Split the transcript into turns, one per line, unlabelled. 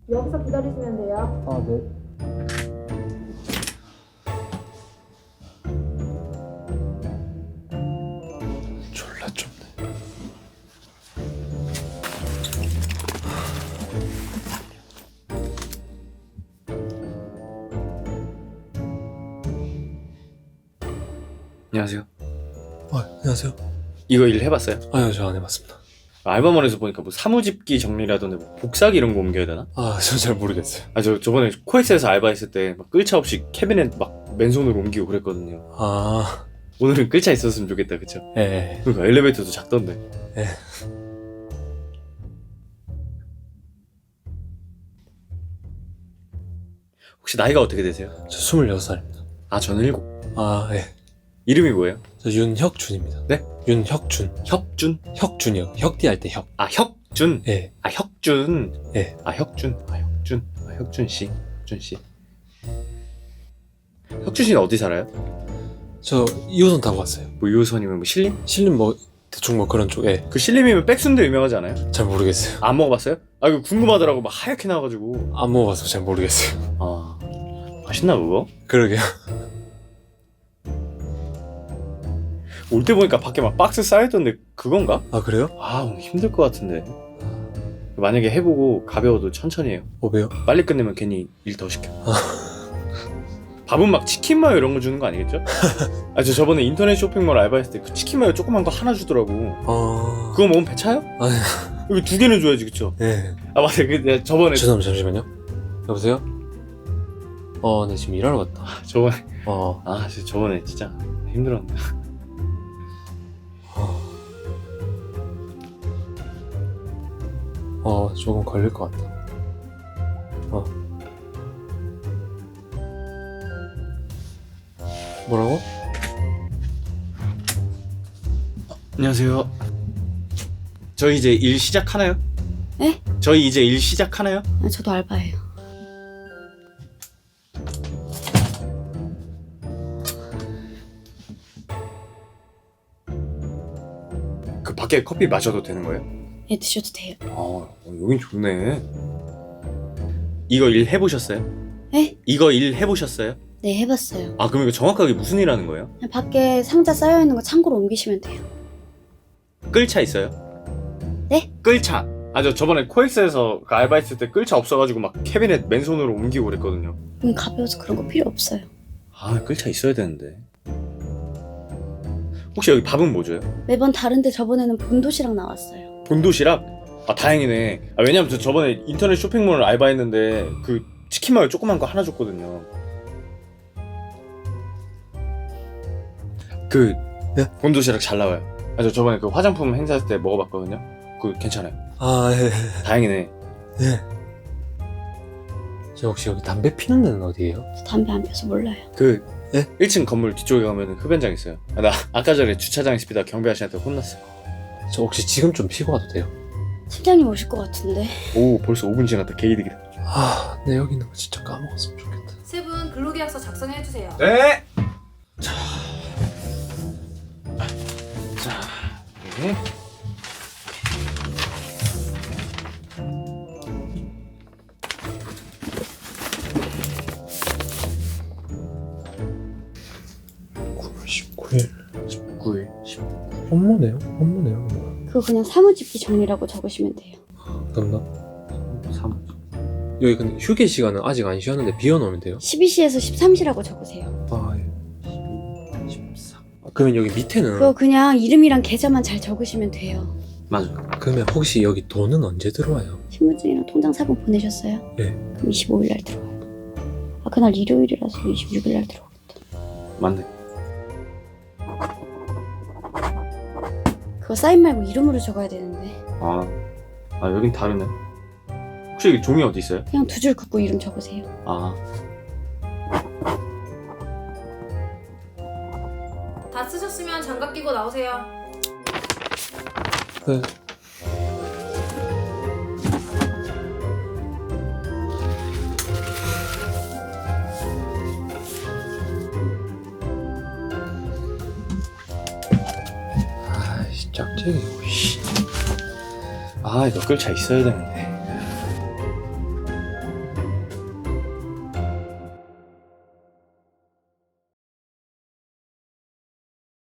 여기서 기다리시면 돼요.
아, 네. 졸라 좁네.
안녕하세요.
안녕하세요.
이거 일 해봤어요?
아니요, 저 안 해봤습니다.
알바몬에서 보니까 뭐 사무집기 정리라던데 뭐 복사기 이런 거 옮겨야 되나?
아, 저 잘 모르겠어요.
저번에 코엑스에서 알바했을 때 막 끌차 없이 캐비넷 막 맨손으로 옮기고 그랬거든요.
아,
오늘은 끌차 있었으면 좋겠다, 그쵸?
예.
그러니까 엘리베이터도 작던데.
예.
혹시 나이가 어떻게 되세요?
저 26살입니다.
아, 저는 7.
아, 예.
이름이 뭐예요?
저 윤혁준입니다.
네?
윤혁준.
혁준?
혁준이요. 혁띠 할 때 혁.
아, 혁준?
예.
아, 혁준.
예.
아, 혁준. 아, 혁준. 아, 혁준 씨. 혁준 씨. 혁준 씨는 어디 살아요?
저 2호선 타고 왔어요.
뭐 2호선이면 뭐 신림?
신림 뭐 대충 뭐 그런 쪽. 예.
그 신림이면 백순대 유명하지 않아요?
잘 모르겠어요.
안 먹어봤어요? 아, 이거 궁금하더라고. 막 하얗게 나와가지고.
안 먹어봐서 잘 모르겠어요.
아, 맛있나 그거?
그러게요.
올 때 보니까 밖에 막 박스 쌓여있던데 그건가?
아, 그래요?
아, 오늘 힘들 것 같은데. 만약에 해보고 가벼워도 천천히 해요.
뭐배요?
빨리 끝내면 괜히 일 더 시켜. 밥은 막 치킨 마요 이런 거 주는 거 아니겠죠? 아, 저 저번에 인터넷 쇼핑몰 알바했을 때 그 치킨 마요 조그만 거 하나 주더라고.
아,
그거 먹으면 배 차요?
아니,
여기 2개는 줘야지, 그쵸?
예.
아, 맞아. 내가 저번에
죄송합니다. 잠시만요. 여보세요? 네, 지금 일하러 갔다.
저번에 진짜 힘들었는데.
조금 걸릴 것 같다. 뭐라고?
안녕하세요. 저희 이제 일 시작하나요?
네?
저희 이제 일 시작하나요?
아, 저도 알바예요.
그 밖에 커피 마셔도 되는 거예요?
예, 드셔도 돼요.
아, 여긴 좋네. 이거 일 해보셨어요?
네?
이거 일 해보셨어요?
네, 해봤어요.
아, 그럼 이거 정확하게 무슨 일 하는 거예요?
그냥 밖에 상자 쌓여있는 거 창고로 옮기시면 돼요.
끌차 있어요?
네?
끌차. 아, 저 저번에 코엑스에서 그 알바했을 때 끌차 없어가지고 막 캐비넷 맨손으로 옮기고 그랬거든요.
가벼워서 그런 거 필요 없어요.
아, 끌차 있어야 되는데. 혹시 여기 밥은 뭐 줘요?
매번 다른데 저번에는 본도시락 나왔어요.
본도시락? 아, 다행이네. 아, 왜냐면 저 저번에 인터넷 쇼핑몰 알바했는데 그 치킨 마요 조그만 거 하나 줬거든요. 그
네?
본도시락 잘 나와요. 아, 저 저번에 그 화장품 행사할 때 먹어봤거든요. 그 괜찮아요.
아, 예.
다행이네.
예. 저 혹시 여기 담배 피는 데는 어디예요?
저 담배 안 펴서 몰라요.
그
네?
1층 건물 뒤쪽에 가면 흡연장 있어요. 아, 나 아까 전에 주차장에서 피다 경비 아저씨한테 혼났어.
저 혹시 지금 좀 피고 와도 돼요?
팀장님 오실 것 같은데.
오, 벌써 5분 지났다. 개이득이다.
아, 네, 여기 있는 거 진짜 까먹었으면 좋겠다.
세 분 근로계약서 작성해주세요.
네. 네.
구 19일.
19일.
업무네요? 업무네요.
그거 그냥 사무집기 정리라고 적으시면 돼요.
감사합니다.
3.
여기 근데 휴게 시간은 아직 안 쉬었는데 비워놓으면 돼요?
12시에서 13시라고 적으세요.
아, 예. 14. 그러면 여기 밑에는
그거 그냥 이름이랑 계좌만 잘 적으시면 돼요.
맞아.
그러면 혹시 여기 돈은 언제 들어와요?
신분증이랑 통장 사본 보내셨어요?
네.
그럼 25일 날 들어와요. 아, 그날 일요일이라서 26일 날 들어오겠다.
맞네.
그거 사인 말고 이름으로 적어야 되는데.
아, 여긴 다르네. 혹시 여기 종이 어디 있어요?
그냥 두 줄 긋고 이름 적으세요.
아,
다 쓰셨으면 장갑 끼고 나오세요.
네. 아이씨, 짝짝이.
아, 이거 끌차 있어야 되는데.